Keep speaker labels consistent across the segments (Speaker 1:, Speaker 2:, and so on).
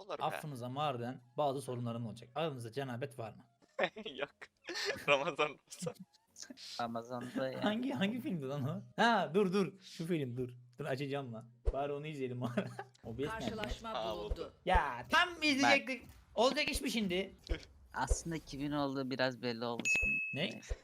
Speaker 1: Olur be.
Speaker 2: Affınıza mağaradan bazı sorunlarım olacak. Aranızda cenabet var mı?
Speaker 1: Yok. Ramazan olsa.
Speaker 3: Ramazan'da yani.
Speaker 2: Hangi filmdi lan o? Ha dur şu film dur. Dur açacağım lan. Bari onu izleyelim o ara. OBS nerede lan?
Speaker 4: Karşılaşma
Speaker 1: Ha,
Speaker 4: bulundu.
Speaker 2: Ya tam izleyecektik. Olacak iş mi şimdi?
Speaker 3: Aslında kimin olduğu biraz belli oldu şimdi.
Speaker 2: Ne?
Speaker 3: Neyse.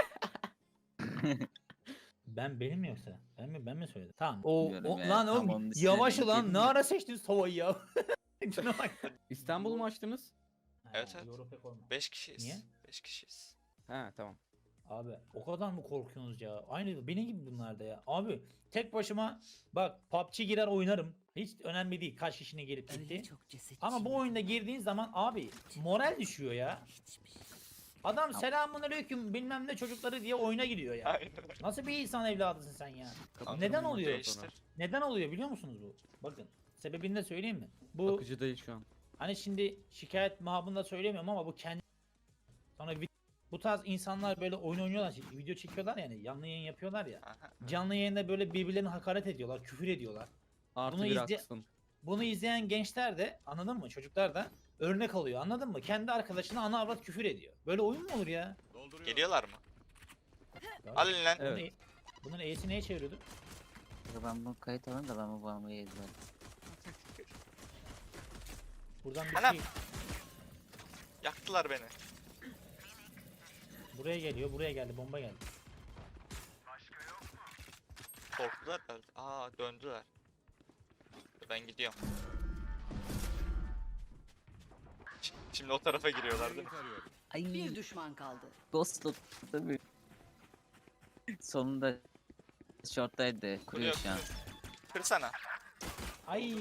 Speaker 2: Benim mi yoksa? Ben mi söyledim? Tamam. O
Speaker 3: Bilmiyorum ya,
Speaker 2: lan
Speaker 3: tam
Speaker 2: oğlum
Speaker 3: onun dışına
Speaker 2: yavaş
Speaker 3: denk
Speaker 2: ulan
Speaker 3: geldim
Speaker 2: ne
Speaker 3: de.
Speaker 2: ara seçtiniz tavayı ya? Şuna bak.
Speaker 5: İstanbul mu açtınız?
Speaker 1: Evet,
Speaker 2: Ha,
Speaker 1: evet.
Speaker 2: Europa forma.
Speaker 1: 5 kişiyiz.
Speaker 2: Niye?
Speaker 1: 5 kişiyiz.
Speaker 5: Ha tamam.
Speaker 2: Abi o kadar mı korkuyorsunuz ya? Aynı benim gibi bunlar da ya. Abi tek başıma bak PUBG girer oynarım. Hiç önemli değil kaç kişinin gelip
Speaker 4: Öyle
Speaker 2: gitti.
Speaker 4: çok ceset
Speaker 2: Ama bu oyunda girdiğin zaman abi moral düşüyor ya.
Speaker 4: hiçbir şey.
Speaker 2: Adam selamünaleyküm bilmem ne çocukları diye oyuna gidiyor ya.
Speaker 1: Aynen.
Speaker 2: Nasıl bir insan evladısın sen ya?
Speaker 5: Kapatalım
Speaker 2: Neden
Speaker 5: maçı
Speaker 2: oluyor?
Speaker 5: sonra.
Speaker 1: Değiştir.
Speaker 2: Neden oluyor biliyor musunuz bu? Bakın sebebini de söyleyeyim mi? Bu
Speaker 5: Akıcı değil şu an.
Speaker 2: hani şimdi şikayet mahabında söylemiyorum ama bu kendi sonra bu tarz insanlar böyle oyun oynuyorlar, video çekiyorlar yani canlı yayın yapıyorlar ya.
Speaker 1: Aha.
Speaker 2: Canlı yayında böyle birbirlerine hakaret ediyorlar, küfür ediyorlar.
Speaker 5: Artı
Speaker 2: Bunu
Speaker 5: bir
Speaker 2: izle-
Speaker 5: aksın.
Speaker 2: Bunu izleyen gençler de anladın mı? Çocuklar da örnek alıyor anladın mı? Kendi arkadaşına ana avrat küfür ediyor. Böyle oyun mu olur ya?
Speaker 1: Geliyorlar mı?
Speaker 2: Ya,
Speaker 1: Alın lan.
Speaker 5: Evet.
Speaker 2: Bunun E'si neye çeviriyordu?
Speaker 3: Ben bunu kayıt alayım da ben bu bağımlıyı izlerim.
Speaker 2: Buradan bir
Speaker 1: Anam.
Speaker 2: şey
Speaker 1: Yaktılar beni.
Speaker 2: buraya geliyor, buraya geldi, bomba geldi.
Speaker 1: Korktular herhalde. Aa, döndüler. Ben gidiyorum. Şimdi o tarafa giriyorlar değil mi?
Speaker 3: Ay
Speaker 4: Bir düşman kaldı.
Speaker 3: Ghost tabii. Sonunda short'taydı. Kuruyor şu an.
Speaker 1: Kırsana.
Speaker 2: Ay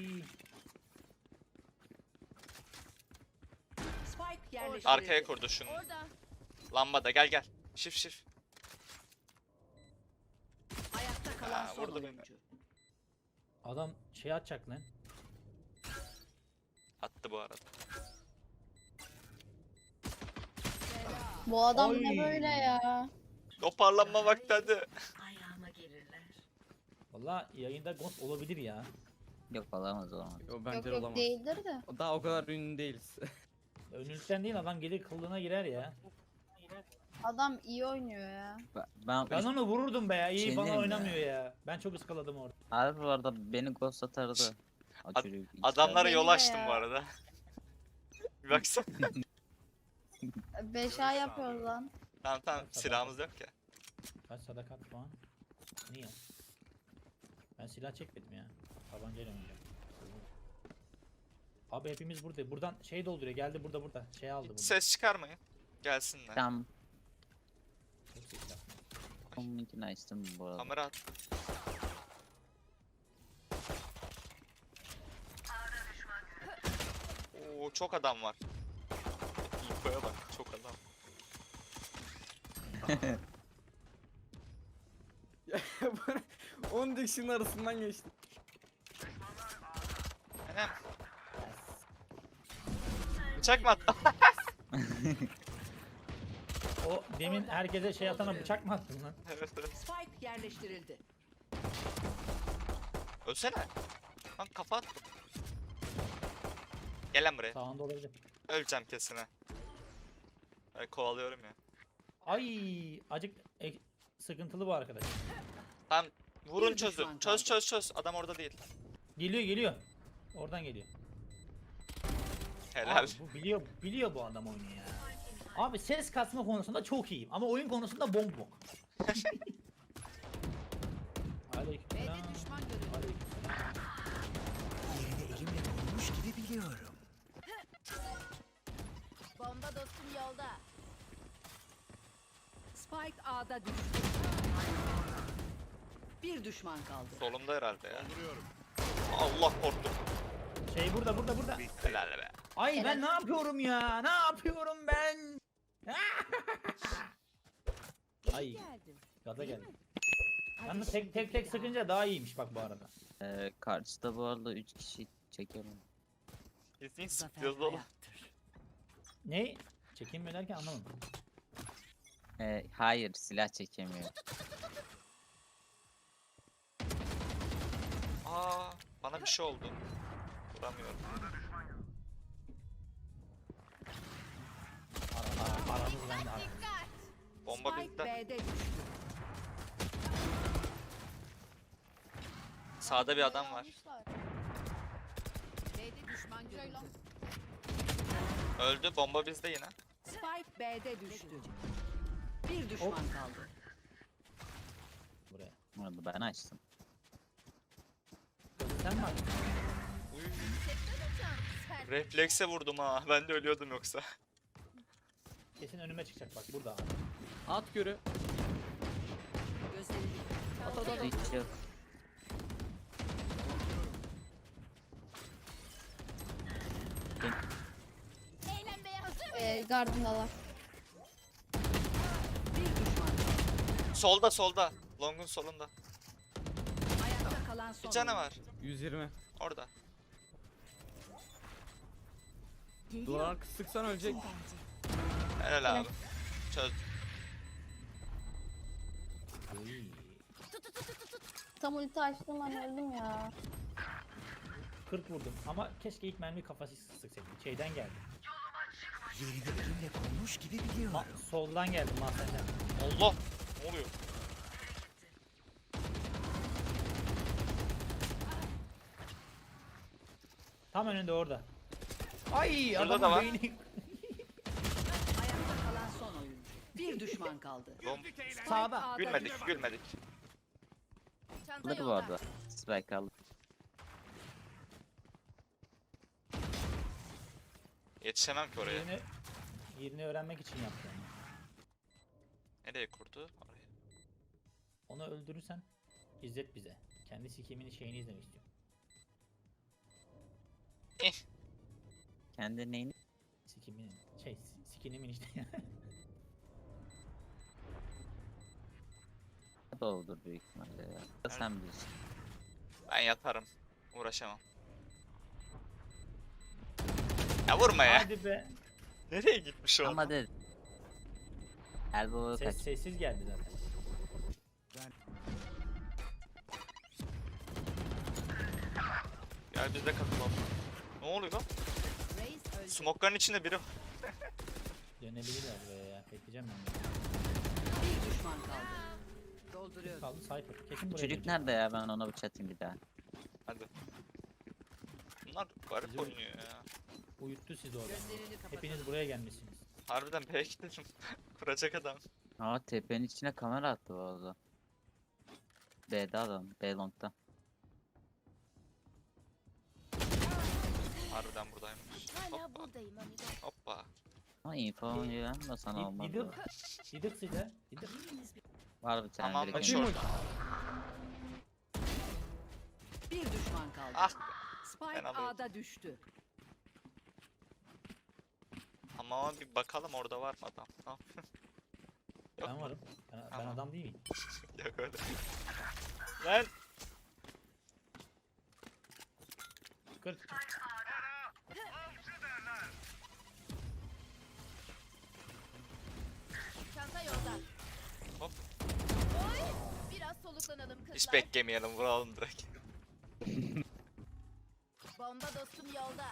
Speaker 4: Spike yerleştirildi.
Speaker 1: Arkaya kurdu şunu.
Speaker 4: Orada.
Speaker 1: Lambada gel. Şif.
Speaker 4: Ayakta kalan
Speaker 1: Ha,
Speaker 4: son
Speaker 1: vurdu beni.
Speaker 4: oyuncu.
Speaker 2: adam şey atacak lan.
Speaker 1: Attı bu arada.
Speaker 6: Bu adam
Speaker 2: Oy.
Speaker 6: ne böyle ya?
Speaker 1: Toparlanma vakti hadi.
Speaker 4: Ayağıma gelirler.
Speaker 2: Valla yayında ghost olabilir ya.
Speaker 3: Yok olamaz.
Speaker 5: O bence
Speaker 6: Yok yok
Speaker 5: olamaz.
Speaker 6: değildir de.
Speaker 5: Daha o kadar ünlü değiliz.
Speaker 2: Önlükten değil adam gelir kılığına girer ya.
Speaker 6: Adam iyi oynuyor ya.
Speaker 2: Ben onu vururdum be ya. İyi
Speaker 3: Şey
Speaker 2: bana
Speaker 3: diyeyim
Speaker 2: oynamıyor
Speaker 3: ya.
Speaker 2: ya. Ben çok ıskaladım orada.
Speaker 3: Abi bu arada beni ghost atardı. O
Speaker 1: Ad-
Speaker 3: çocuk iki
Speaker 1: Adamlara yol
Speaker 6: Beni de
Speaker 1: açtım
Speaker 6: ya.
Speaker 1: bu arada. Bir baksana.
Speaker 6: 5A yapıyoruz lan.
Speaker 1: Tamam silahımız yok ya.
Speaker 2: Kaç sadakat puan? Niye? Ben silah çekmedim ya. Tabancayla oynayacağım. Abi hepimiz burada. Buradan şey dolduruyor. Geldi burada. Şey aldı burada.
Speaker 1: Ses çıkarmayın. Gelsinler.
Speaker 3: Tam
Speaker 2: Çok ses yapma.
Speaker 3: onunkini açtım bu arada.
Speaker 1: Kamera at. Oo, çok adam var. İnfoya bak, çok adam.
Speaker 5: 10 dikişin arasından geçti.
Speaker 1: Enem. Bıçak mı attı?
Speaker 2: O demin herkese şey atana bıçak mı attın lan?
Speaker 1: Evet.
Speaker 4: Spike yerleştirildi.
Speaker 1: Ölsene. Lan kafa attım. Gel lan buraya.
Speaker 2: Sağında olabilir.
Speaker 1: Öleceğim kesin ha. Ben kovalıyorum ya.
Speaker 2: Ay acık sıkıntılı bu arkadaş.
Speaker 1: Tamam. Vurun
Speaker 4: Bir
Speaker 1: çözün.
Speaker 4: düşman kaldı.
Speaker 1: Çöz. Adam orada değil.
Speaker 2: Geliyor. Oradan geliyor.
Speaker 1: Helal.
Speaker 2: Abi bu biliyor bu adam oyunu ya. Abi ses kasma konusunda çok iyiyim ama oyun konusunda bombok. Aleykümselam.
Speaker 4: B'de düşman görüldü.
Speaker 2: Aleykümselam.
Speaker 6: Bomba dostum yolda.
Speaker 4: Spike A'da düştü. Bir düşman kaldı.
Speaker 1: Solumda herhalde ya. Allah korktum.
Speaker 2: Şey burada.
Speaker 1: Helal be.
Speaker 2: Ay ben ne yapıyorum ya? Ne yapıyorum ben? Ay
Speaker 4: Geldim.
Speaker 2: gaza geldim. Yalnız tek sıkınca daha iyiymiş bak bu arada.
Speaker 3: Karşıda bu arada 3 kişi çekelim.
Speaker 1: Kesin
Speaker 4: Zafer
Speaker 1: sıkıyoruz oğlum.
Speaker 4: hayattır.
Speaker 2: Ne? Çekinme derken anlamadım.
Speaker 3: Hayır silah çekemiyor.
Speaker 1: Aa, bana bir şey oldu. Vuramıyorum. Sağda bir adam var.
Speaker 4: B'de düşman görüldü.
Speaker 1: Öldü. Bomba bizde yine.
Speaker 4: Spike B'de düştü. Bir düşman kaldı.
Speaker 2: Buraya.
Speaker 3: Bunu ben açtım.
Speaker 2: Kızı sen mi açtın?
Speaker 1: Uy. Reflekse vurdum ha. Ben de ölüyordum yoksa.
Speaker 2: Kesin önüme çıkacak bak burada abi.
Speaker 5: At görü.
Speaker 4: Gözlerini
Speaker 3: Hiç yok.
Speaker 6: Eğlenmeye hazır mıyız? Gardındalar.
Speaker 4: bir düşman kaldı.
Speaker 1: Solda. Long'un solunda.
Speaker 4: Ayakta kalan son.
Speaker 1: Bir canavar.
Speaker 5: 120.
Speaker 1: Orada.
Speaker 5: Duvar arkası sıksan ölecek.
Speaker 1: Helal abi. Çöz.
Speaker 2: Uy.
Speaker 6: Tam ulti açtım ben öldüm ya.
Speaker 2: 40 vurdum ama keşke ilk mermi kafası sıksaydım. Şeyden geldi. Soldan geldim mahzenden.
Speaker 1: Allah. Ne oluyor?
Speaker 2: Tam önünde orada. Ay
Speaker 1: Şurada
Speaker 2: adamın
Speaker 1: da var.
Speaker 2: beyni.
Speaker 4: Ayakta kalan son oyuncu. Bir düşman kaldı.
Speaker 2: Sağda.
Speaker 4: A'da
Speaker 1: Gülmedik.
Speaker 4: düştü.
Speaker 1: Gülmedik.
Speaker 6: Çanta
Speaker 3: Alır bu
Speaker 6: yolda.
Speaker 3: arada. Spike alır.
Speaker 1: Yetişemem ki oraya.
Speaker 2: Yerini öğrenmek için yaptı onu.
Speaker 1: Nereye kurdu? Oraya.
Speaker 2: Onu öldürürsen izlet bize. Kendi sikimini şeyini izlemek istiyorum.
Speaker 3: Kendi neyini?
Speaker 2: Sikiminin sikinimin işte.
Speaker 3: Doğrudur büyük ihtimalle ya. Sen bilirsin.
Speaker 1: Ben yatarım. Uğraşamam. Ya vurma ya.
Speaker 2: Hadi be.
Speaker 1: Nereye gitmiş o?
Speaker 3: Ama de. Elbow'a kaç.
Speaker 2: Sessiz geldi zaten.
Speaker 1: Gel biz de katılalım. Ne oluyor lan?
Speaker 4: Reis öldü.
Speaker 1: Smoke'ların içinde biri var.
Speaker 2: Dönebilirler buraya ya. Bekleyeceğim ben. de.
Speaker 4: Bir düşman kaldı.
Speaker 2: Kim
Speaker 4: Dolduruyorum.
Speaker 2: kaldı? Cypher. Kesin buraya
Speaker 3: Çocuk
Speaker 2: gelecek.
Speaker 3: nerede ya? Ben ona bıçak atayım bir daha.
Speaker 1: Hadi. Bunlar garip
Speaker 2: Bizim-
Speaker 1: oynuyor ya.
Speaker 2: Uyuttu sizi orada.
Speaker 4: Gözlerini kapat.
Speaker 2: Hepiniz buraya gelmişsiniz.
Speaker 1: Harbiden B'ye gidelim. Kuracak adam.
Speaker 3: Aa tepenin içine kamera attı bu arada. B'de adam. B long'da.
Speaker 1: Harbiden buradaymış.
Speaker 6: Hala
Speaker 1: Hoppa.
Speaker 6: buradayım amigo.
Speaker 1: Hoppa.
Speaker 3: Ama info oynuyor da sana olmaz. bu.
Speaker 2: Didik size. Didik.
Speaker 3: Var bir tane
Speaker 1: Tamam,
Speaker 3: direkt
Speaker 1: açayım
Speaker 3: önünde.
Speaker 1: mı?
Speaker 4: Bir düşman kaldı.
Speaker 1: Ah.
Speaker 4: Spike
Speaker 1: Ben alayım.
Speaker 4: A'da düştü.
Speaker 1: Ama bir bakalım orada var mı adam? Tamam. Yok
Speaker 2: Ben
Speaker 1: mu?
Speaker 2: varım. Ben
Speaker 1: Tamam.
Speaker 2: adam değil miyim?
Speaker 1: Yok öyle. Lan.
Speaker 2: 40.
Speaker 6: Çanta yolda.
Speaker 1: Hop.
Speaker 6: Oy! Biraz soluklanalım kızlar.
Speaker 1: Hiç beklemeyelim, vuralım direkt.
Speaker 6: Bomba dostum yolda.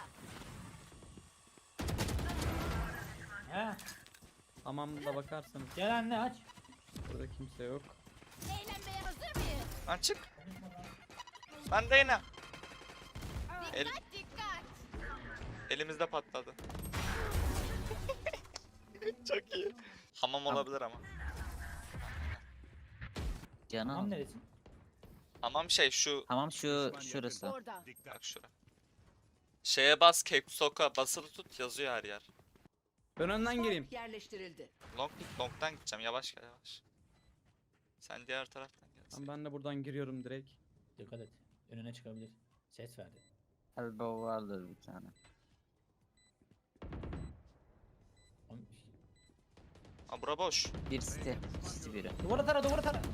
Speaker 2: He.
Speaker 5: Hamamda bakarsanız
Speaker 2: Gel anne aç.
Speaker 5: burada kimse yok.
Speaker 6: Eğlenmeye hazır mıyız?
Speaker 1: Lan çık. Ben de yine. El,
Speaker 6: Dikkat dikkat.
Speaker 1: elimizde patladı. Çok iyi. Hamam olabilir ama.
Speaker 3: Canım.
Speaker 2: Tamam neresi?
Speaker 1: Hamam şey şu.
Speaker 3: Tamam şu şurası.
Speaker 4: Orada.
Speaker 1: Bak şura. Şeye bas, Keksoka basılı tut, yazıyor her yer.
Speaker 5: Ben önden gireyim.
Speaker 4: Spike yerleştirildi.
Speaker 1: Long'dan gideceğim, yavaş gel yavaş. Sen diğer taraftan gel.
Speaker 5: Tamam, ben de buradan giriyorum direkt.
Speaker 2: Dikkat et. Önüne çıkabilir. Ses verdi.
Speaker 3: Elbow vardır bir tane.
Speaker 2: Oğlum,
Speaker 1: Aa bura boş.
Speaker 3: Bir site. Site biri.
Speaker 2: Duvara tara duvara tara.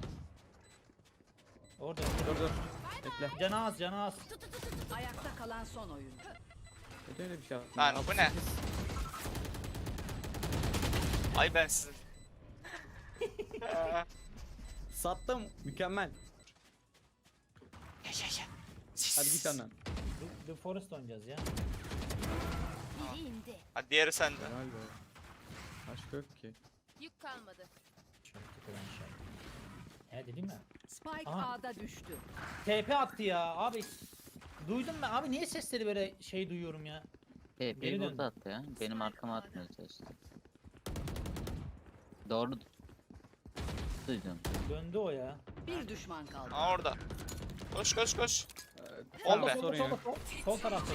Speaker 2: Orada.
Speaker 5: Dur. Bekle.
Speaker 2: Canı az canı az.
Speaker 4: Ayakta kalan son oyuncu.
Speaker 5: Neden öyle bir şey yaptın?
Speaker 1: Lan
Speaker 5: ya?
Speaker 1: bu ne? Ay ben sizin.
Speaker 5: Sattım. Mükemmel. Hadi git önden.
Speaker 2: The Forest oynayacağız ya.
Speaker 6: Biri indi.
Speaker 1: Hadi diğeri sende.
Speaker 5: Helal be. Başka yok ki.
Speaker 6: Yük kalmadı.
Speaker 2: Şöyle tıkılan şey. He dedim ya.
Speaker 4: Spike
Speaker 2: Aha.
Speaker 4: A'da düştü.
Speaker 2: TP attı ya abi. Duydum ben abi, niye sesleri böyle şey duyuyorum ya? Geri
Speaker 3: TP'yi
Speaker 2: döndü.
Speaker 3: burada attı ya. Benim arkama atmaya çalıştı. Doğru. Duydum.
Speaker 2: Döndü o ya.
Speaker 4: Bir düşman kaldı.
Speaker 1: Aa orada. Koş koş koş.
Speaker 5: Tamam,
Speaker 1: be.
Speaker 5: sorun yok.
Speaker 2: Sol taraftaydı.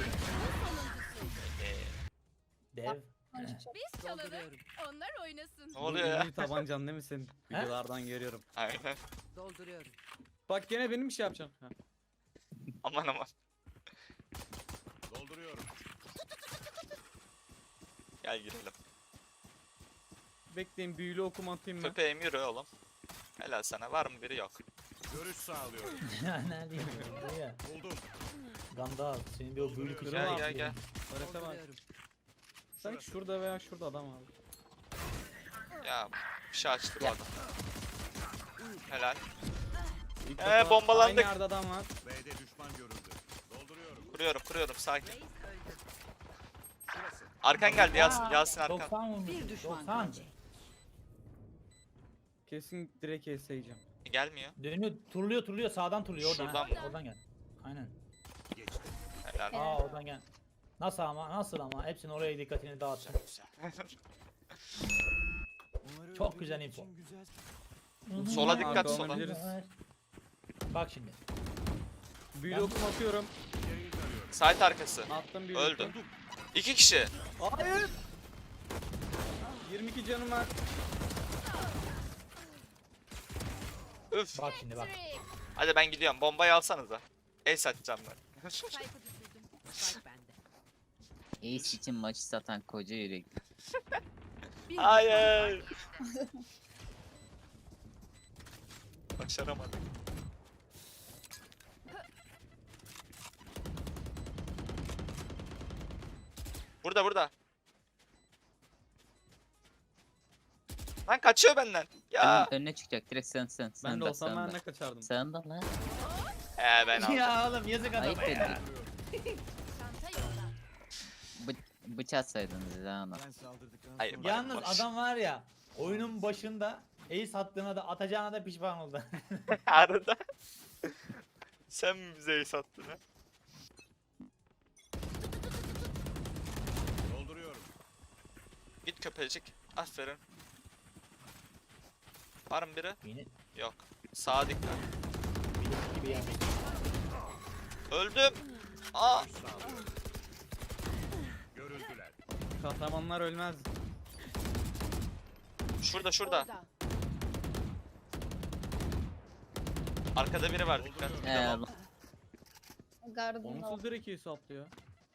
Speaker 2: Dev.
Speaker 7: Biz çalalım,
Speaker 4: Dolduruyorum.
Speaker 7: onlar oynasın.
Speaker 1: Ne oluyor ya?
Speaker 5: İyi tabancan değil mi senin? Videolardan görüyorum.
Speaker 1: Aynen.
Speaker 4: Dolduruyorum.
Speaker 5: Bak gene benim bir şey yapacağım. Ha.
Speaker 1: Aman aman.
Speaker 8: Dolduruyorum.
Speaker 1: Gel girelim.
Speaker 5: Bekleyin, büyülü okum atayım ben.
Speaker 1: Köpeğim yürü oğlum. Helal sana. Var mı biri? Yok.
Speaker 8: Görüş sağlıyorum.
Speaker 2: Neredeyim bu ya?
Speaker 8: Buldum.
Speaker 2: Gandalf senin bir o büyülü kuşağı.
Speaker 1: Gel
Speaker 5: Kırma.
Speaker 1: gel gel.
Speaker 5: Harita var.
Speaker 4: Dolduruyorum.
Speaker 5: Sanki şurada veya şurada adam abi.
Speaker 1: Ya bir şey açtı bu
Speaker 3: Ya.
Speaker 1: adam. Helal.
Speaker 5: İlk
Speaker 1: Ee,
Speaker 5: defa
Speaker 1: bombalandık.
Speaker 5: Aynı yerde adam var.
Speaker 8: B'de düşman görüldü. Dolduruyorum.
Speaker 1: Kuruyorum sakin.
Speaker 4: Reis öldü.
Speaker 8: Şurası.
Speaker 1: Arkan geldi Yasin arkan.
Speaker 2: 90 vurmuş.
Speaker 4: Bir düşman
Speaker 2: 90.
Speaker 4: kaldı.
Speaker 5: Kesin direkt yiyeceğim.
Speaker 1: Gelmiyor.
Speaker 2: Dönüyor, turluyor sağdan turluyor oradan.
Speaker 1: Şuradan
Speaker 2: ha.
Speaker 1: mı?
Speaker 2: Oradan gel. Aynen.
Speaker 8: Geçti.
Speaker 1: Helal.
Speaker 2: Aa oradan gel. Nasıl ama hepsinin oraya dikkatini dağıtın. Çok güzel info.
Speaker 1: Sola dikkat,
Speaker 5: Arka
Speaker 1: sola.
Speaker 5: olabiliriz.
Speaker 2: Bak şimdi.
Speaker 5: Büyülü okum atıyorum.
Speaker 8: İleriyi tarıyorum.
Speaker 1: Site arkası.
Speaker 5: Attım büyülü
Speaker 1: Öldü.
Speaker 5: okum.
Speaker 1: 2 kişi.
Speaker 5: Hayır. 22 canım var.
Speaker 1: Üf.
Speaker 2: Bak şimdi bak.
Speaker 7: Trick.
Speaker 1: Hadi ben gidiyorum. Bombayı alsanıza. Ace atacağım ben.
Speaker 7: Spike'ı düşürdüm.
Speaker 4: Spike bende.
Speaker 3: Ace için maçı satan koca yürek.
Speaker 4: Bir düşman
Speaker 1: Hayır. Başaramadık. Burada. Lan kaçıyor benden. Ya.
Speaker 3: Önüne çıkacak direkt sen.
Speaker 5: Ben
Speaker 3: Sen
Speaker 5: de
Speaker 3: de
Speaker 5: olsam ben
Speaker 3: sen
Speaker 5: ne
Speaker 3: de.
Speaker 5: kaçardım.
Speaker 3: Sen de lan.
Speaker 1: Ben aldım.
Speaker 2: Ya oğlum yazık
Speaker 3: Ayıp
Speaker 2: adama ya.
Speaker 3: edin.
Speaker 7: Çanta yolda.
Speaker 3: Bıçaksaydınız ya ona.
Speaker 8: Ben saldırdıktan
Speaker 1: Hayır,
Speaker 8: sonra-
Speaker 1: bak.
Speaker 2: Yalnız adam var ya, oyunun başında ace attığına da atacağına da pişman oldu.
Speaker 1: Arada. Sen mi bize ace attın ha?
Speaker 8: Dolduruyorum.
Speaker 1: Git köpecik. Aferin. Var mı biri?
Speaker 2: Yine
Speaker 1: Yok. Sağa dikkat.
Speaker 2: bilinç gibi yani.
Speaker 1: Öldüm. Aa.
Speaker 8: Görüş sağlıyorum. Görüldüler.
Speaker 5: Kahramanlar ölmez.
Speaker 1: Şurada.
Speaker 7: Orada.
Speaker 1: Arkada biri var dikkat. Bir de
Speaker 3: Ee,
Speaker 1: bomba.
Speaker 6: Gardında.
Speaker 5: Onsuz direkt iyi saplıyor.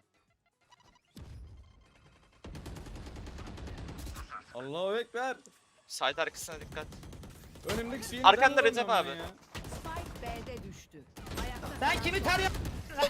Speaker 5: Allahu Ekber.
Speaker 1: Side arkasına dikkat.
Speaker 5: Önümdeki şeyi
Speaker 1: Arkanda
Speaker 5: neden
Speaker 1: Recep
Speaker 5: alamıyorum
Speaker 1: abi.
Speaker 5: ben ya?
Speaker 4: Spike B'de düştü. Ayakta
Speaker 2: Sen kimi tarıyorsun?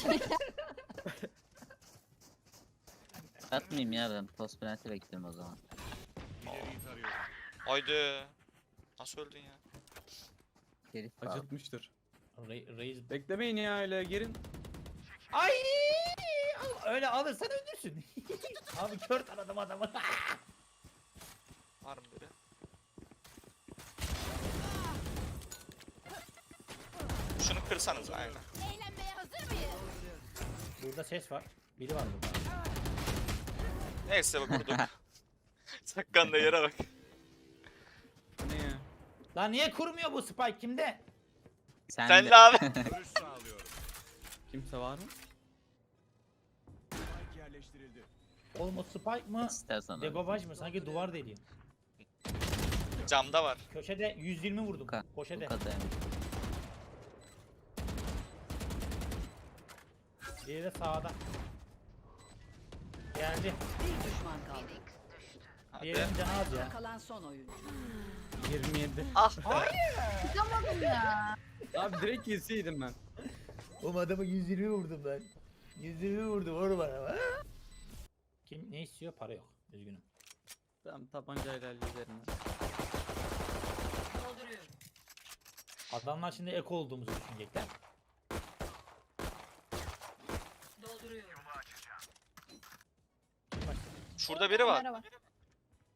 Speaker 3: atmayayım ya ben post penaltı bekliyorum o zaman.
Speaker 8: İleriyi tarıyorum.
Speaker 1: Haydi. Nasıl öldün ya?
Speaker 3: Geri sağ ol.
Speaker 5: Acıtmıştır.
Speaker 2: Reis.
Speaker 5: Beklemeyin ya öyle girin.
Speaker 2: Ay! Öyle alırsan öldürsün. Abi kör taradım adamı.
Speaker 1: Var mı biri? Şunu kırsanız aynen.
Speaker 7: Eğlenmeye hazır mıyız?
Speaker 2: Burada ses var. Biri var burada.
Speaker 1: Neyse bak vurduk. Sakkan da yere bak.
Speaker 5: Ne ya?
Speaker 2: Lan niye kurmuyor bu spike kimde?
Speaker 1: Sen de abi.
Speaker 8: Görüş sağlıyorum.
Speaker 5: Kimse var mı?
Speaker 8: Spike yerleştirildi.
Speaker 2: Oğlum o spike mı?
Speaker 3: İstersen öyle.
Speaker 2: Degobaj mı? Sanki duvar deliyor.
Speaker 1: Camda var.
Speaker 2: Köşede 120 vurdum.
Speaker 3: Bu
Speaker 2: Köşede.
Speaker 3: kadar.
Speaker 2: Biri de sağda. Geldi.
Speaker 4: bir düşman kaldı.
Speaker 1: Hadi.
Speaker 2: Diğerinin canı az ya.
Speaker 4: Kalan son oyuncu.
Speaker 5: 27.
Speaker 1: Ah.
Speaker 6: Tutamadım ya.
Speaker 5: Abi direkt yeseydim ben.
Speaker 2: Oğlum adamı 120 vurdum ben. 120 vurdum vur bana. Kim ne istiyor? Para yok. Üzgünüm.
Speaker 5: Tamam tabancayla hallederim ben.
Speaker 4: Dolduruyorum.
Speaker 2: Adamlar şimdi eko olduğumuzu düşünecekler.
Speaker 4: Dolduruyorum.
Speaker 2: Kim başladı?
Speaker 1: Şurada biri var.
Speaker 6: Kamera var.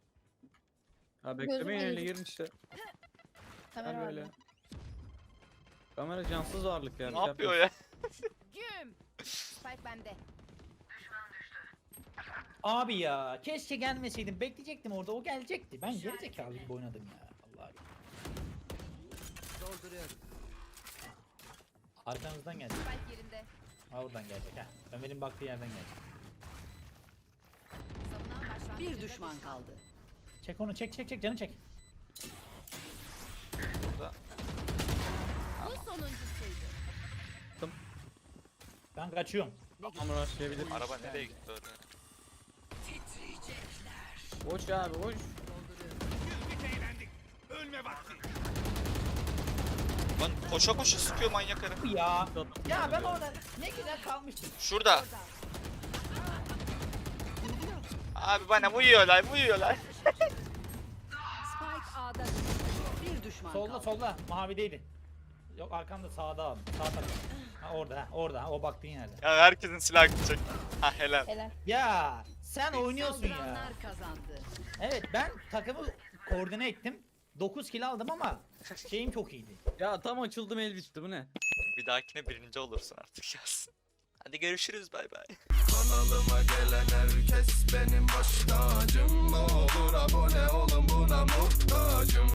Speaker 5: Ha beklemeyin
Speaker 6: Gözüme
Speaker 5: öyle
Speaker 6: girdi.
Speaker 5: girin işte.
Speaker 6: Kamera
Speaker 5: Ben
Speaker 6: var.
Speaker 5: böyle. Kamera cansız varlık ya.
Speaker 1: Ne yapıyor ya?
Speaker 7: Güm. Spike bende.
Speaker 2: Abi ya keşke gelmeseydim. Bekleyecektim orada. O gelecekti. Ben gerizekalı gibi oynadım ya. Vallahi.
Speaker 4: Dolduruyorum.
Speaker 2: Arkanızdan geldi.
Speaker 7: Spike yerinde.
Speaker 2: Ha oradan gelecek ha. Ömer'in baktığı yerden gelecek.
Speaker 7: Savunan başlangıcında
Speaker 4: Bir düşman kaldı.
Speaker 2: Çek onu çek canı çek.
Speaker 1: Burada.
Speaker 7: Bu sonuncusuydu.
Speaker 2: Ben kaçıyorum.
Speaker 5: Kamera başlayabilir.
Speaker 1: Araba nereye gitti öyle?
Speaker 5: Boş abi boş.
Speaker 8: Ölme vakti.
Speaker 1: Lan koşa koşa sıkıyor manyak herif.
Speaker 2: Ya. Ya ben orada ne güzel kalmıştım.
Speaker 1: Şurada. Abi bana vuruyorlar.
Speaker 4: Spike A'da düştü. Bir düşman
Speaker 2: Solda
Speaker 4: kaldı.
Speaker 2: solda mavideydi. Yok arkamda sağda abi. Sağ tarafta. Ha orada ha, o baktığın yerde.
Speaker 1: Ya herkesin silah gidecek. Ha helal.
Speaker 6: Helal.
Speaker 2: Ya sen oynuyorsun ya.
Speaker 4: Saldıranlar kazandı.
Speaker 2: Evet ben takımı koordine ettim. 9 kill aldım ama şeyim çok iyiydi.
Speaker 5: Ya tam açıldım el bitti bu ne?
Speaker 1: Bir dahakine birinci olursun artık yazsın. Hadi görüşürüz bay bay.
Speaker 9: Kanalıma gelen herkes benim baş tacım. Ne olur abone olun buna muhtacım.